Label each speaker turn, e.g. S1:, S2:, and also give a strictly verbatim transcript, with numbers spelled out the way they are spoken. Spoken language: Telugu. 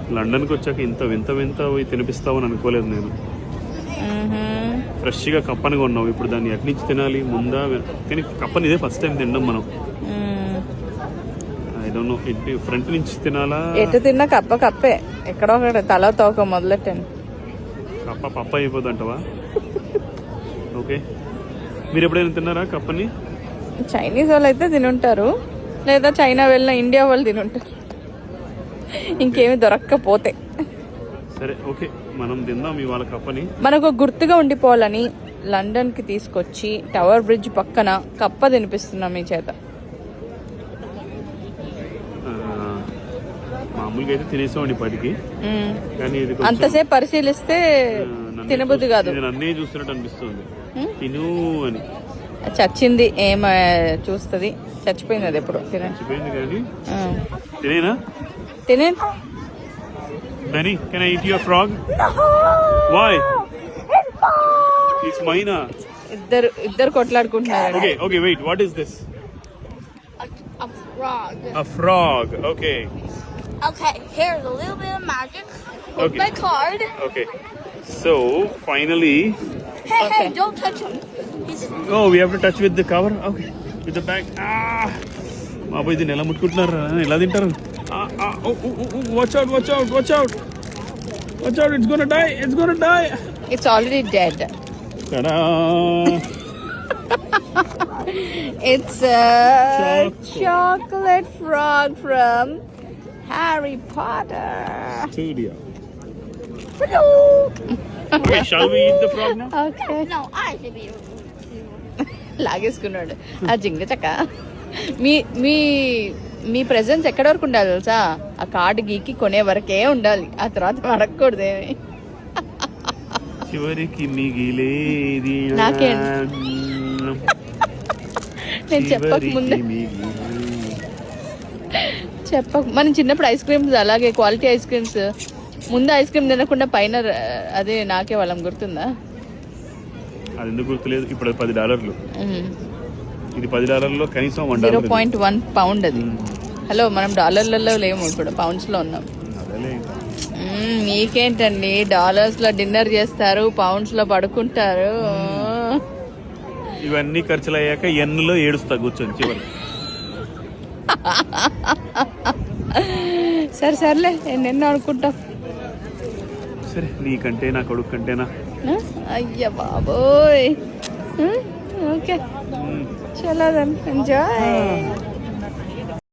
S1: లండన్కి వచ్చాక ఇంత వింత వింత తినిపిస్తావని అనుకోలేదు నేను. ఫ్రెష్గా కప్పని కొన్నావు, ఇప్పుడు దాన్ని ఎక్కడి నుంచి తినాలి ముందా? కానీ కప్పని ఇదే ఫస్ట్ టైం తినడం మనం. ఐ డోంట్ నో, ఇటు ఫ్రంట్ నుంచి తినాలా?
S2: ఎటు తిన్నా కప్ప కప్పే, ఎక్కడో ఒకటి తల తోక మొదలెట్టాను.
S1: కప్ప పప్ప అయిపోద్ది అంటవా? ఓకే, మీరు ఎప్పుడైనా తిన్నారా కప్పని?
S2: చైనీస్ వాళ్ళు అయితే తినుంటారు, లేదా చైనా వెళ్ళిన ఇండియా వాళ్ళు తినుంటారు, ఇంకేమి దొరక్కపోతే.
S1: సరే ఓకే, మనం తిందాం ఇవాళ కప్పని.
S2: మనకు గుర్తుగా ఉండిపోవాలని లండన్ కి తీసుకొచ్చి టవర్ బ్రిడ్జ్ పక్కన కప్ప తినిపిస్తున్నాం మీ చేత.
S1: మామూలుగా అయితే తినేసామండి ఇప్పటికి, కానీ
S2: అంతసేపు పరిశీలిస్తే తినబుద్ధి కాదు.
S1: అన్నీ చూస్తున్నట్టు అనిపిస్తుంది. తిను అని
S2: చచ్చింది ఏం చూస్తుంది, చచ్చిపోయింది అది ఎప్పుడు
S1: చచ్చిపోయింది. కానీ తినేనా?
S2: తినే.
S1: Benny, can I eat your frog? No! Why? It's mine.
S2: ఇద్దరు ఇద్దరు కొట్లాడుకుంటున్నారు.
S1: Okay, okay, wait. What is this?
S3: A, a frog.
S1: A frog. Okay.
S3: Okay, here's a little bit of magic with
S1: Okay.
S3: my card.
S1: Okay. So, finally...
S3: Hey,
S2: Okay.
S3: hey, don't touch him. He's...
S1: Oh, we have to touch with the cover? Okay. With the bag. Ah! బాబు ఇది నెల ముట్టుకుంటున్నారా? ఎలా తింటారు? Watch out, watch out, watch out. Watch out, it's gonna die, it's gonna die.
S2: It's already dead.
S1: Ta-da!
S2: It's a chocolate. chocolate frog from Harry Potter
S1: Studio.
S3: Hello.
S1: Okay, shall we eat the frog now?
S2: Okay.
S3: No, I should be.
S2: లాగేసుకున్నాడు ఆ జింగ చక్క. మీ మీ మీ ప్రెజెన్స్ ఎక్కడి వరకు ఉండాలి తెలుసా? ఆ కార్డు గీకి కొనే వరకే ఉండాలి, ఆ తర్వాత అడగకూడదేమి.
S1: చివరికి మిగిలేది
S2: నాకేంటి? నేను చెప్పక ముందే చెప్పక మనం చిన్నప్పుడు ఐస్ క్రీమ్స్ అలాగే క్వాలిటీ ఐస్ క్రీమ్స్ ముందు ఐస్ క్రీమ్ తినకుండా పైన అదే నాకే వాళ్ళం, గుర్తుందా?
S1: అది ఎందుకు గుర్తులేదు? ఇప్పుడు పది డాలర్లు, ఇది పది డాలర్లో కనీసం
S2: జీరో పాయింట్ వన్ పౌండ్ అది. హలో, మనం డాలర్లలో లేము, ఇప్పుడు పౌండ్స్ లో ఉన్నాం. మీకేంటండి, డాలర్స్ లో డిన్నర్ చేస్తారు, పౌండ్స్ లో పడుకుంటారు.
S1: ఇవన్నీ ఖర్చులు అయ్యాక ఎన్నులో ఏడుస్తా కూర్చొని చివరి.
S2: సరే సర్లే, ఎన్నెన్నో అనుకుంటాం.
S1: సరే, నీకంటే నా కొడుకు కంటేనా?
S2: అయ్యా బాబోయ్. ఓకే, చలో దెన్ ఎంజాయ్.